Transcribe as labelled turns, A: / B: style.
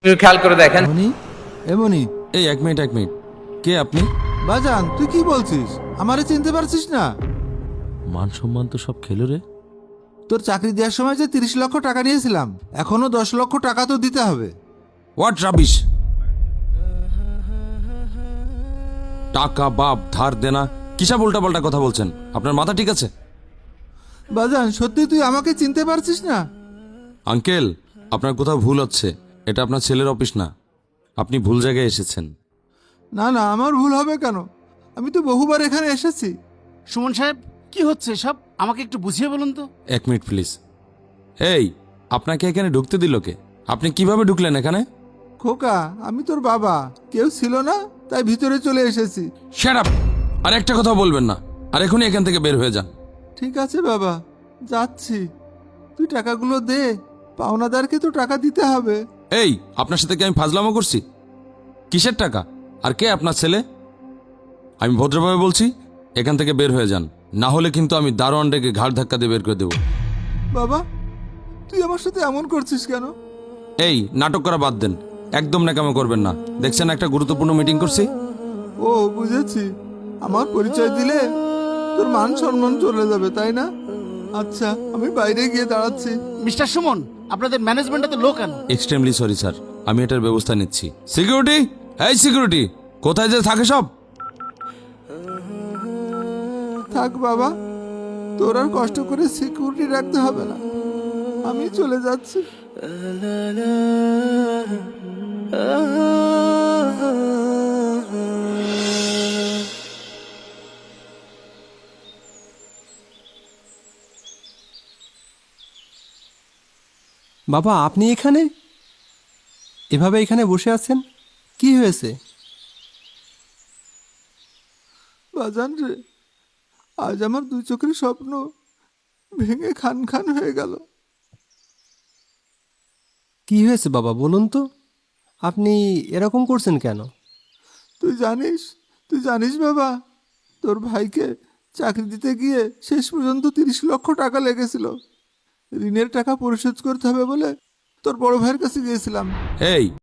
A: একটু খেয়াল করে দেখেন।
B: মনি এমনি
C: এই এক মিনিট কে আপনি?
B: বাজান তুই কি বলছিস? আমারে চিনতে পারছিস না?
C: মান সম্মান তো সব খেলো রে।
B: তোর চাকরি দেওয়ার সময় যে 30 লক্ষ টাকা নিয়েছিলাম, এখনো 10 লক্ষ টাকা তো দিতে হবে।
C: What rubbish! টাকা বাপ ধার দেনা কিসব উল্টাপাল্টা কথা বলছেন? আপনার মাথা ঠিক আছে?
B: বাজান সত্যি তুই আমাকে চিনতে পারছিস না?
C: আঙ্কেল, আপনার কোথাও ভুল হচ্ছে। এটা আপনার ছেলের অফিস না, আপনি ভুল জায়গায় এসেছেন।
B: না না, আমার ভুল হবে কেন? আমি তো বহুবার এখানে এসেছি।
D: সুমন সাহেব, কি হচ্ছে সব? আমাকে একটু বুঝিয়ে বলুন তো।
C: এক মিনিট প্লিজ। এই, আপনাকে এখানে ঢুকতে দিল কে? আপনি কিভাবে ঢুকলেন এখানে?
B: খোকা, আমি তোর বাবা, কেউ ছিল না তাই ভিতরে চলে এসেছি।
C: Shut up! আর একটা কথা বলবেন না, আর এখনই এখান থেকে বের হয়ে যান।
B: ঠিক আছে বাবা, যাচ্ছি। তুই টাকাগুলো দে, পাওনাদারকে তো টাকা দিতে হবে।
C: এই, আপনার সাথে কি আমি ফাজলামো করছি? কিসের টাকা? আর কে আপনার ছেলে? আমি ভদ্রভাবে বলছি, এখান থেকে বের হয়ে যান, না হলে কিন্তু আমি দারোয়ান ডেকে ঘাড় ধাক্কা দিয়ে বের করে দেবো।
B: বাবা, তুই আমার সাথে এমন করছিস কেন?
C: এই, নাটক করা বাদ দেন, একদম ন্যাকামো করবেন না। দেখছেন একটা গুরুত্বপূর্ণ মিটিং করছি।
B: ও বুঝেছি, আমার পরিচয় দিলে তোর মান সম্মান চলে যাবে, তাই না? আচ্ছা, আমি বাইরে গিয়ে দাঁড়াচ্ছি।
D: মিস্টার সুমন, আপনাদের ম্যানেজমেন্টে তো লোক কেন?
C: এক্সট্রিমলি সরি স্যার, আমি এটার ব্যবস্থা নিচ্ছি। সিকিউরিটি, এই সিকিউরিটি, কোথায় যে থাকে সব?
B: থাক বাবা, তোর আর কষ্ট করে সিকিউরিটি রাখতে হবে না, আমি চলে যাচ্ছি।
E: বাবা, আপনি এখানে এভাবে এখানে বসে আছেন, কি হয়েছে?
B: বাজান রে, আজ আমার দুই চোখের স্বপ্ন ভেঙে খান খান হয়ে গেল।
E: কি হয়েছে বাবা, বলুন তো? আপনি এরকম করছেন কেন?
B: তুই জানিস বাবা, তোর ভাইকে চাকরি দিতে গিয়ে শেষ পর্যন্ত 30 লক্ষ টাকা লেগেছিল। ঋণের টাকা পরিশোধ করতে হবে বলে তোর বড় ভাইয়ের কাছে গিয়েছিলাম।
C: এই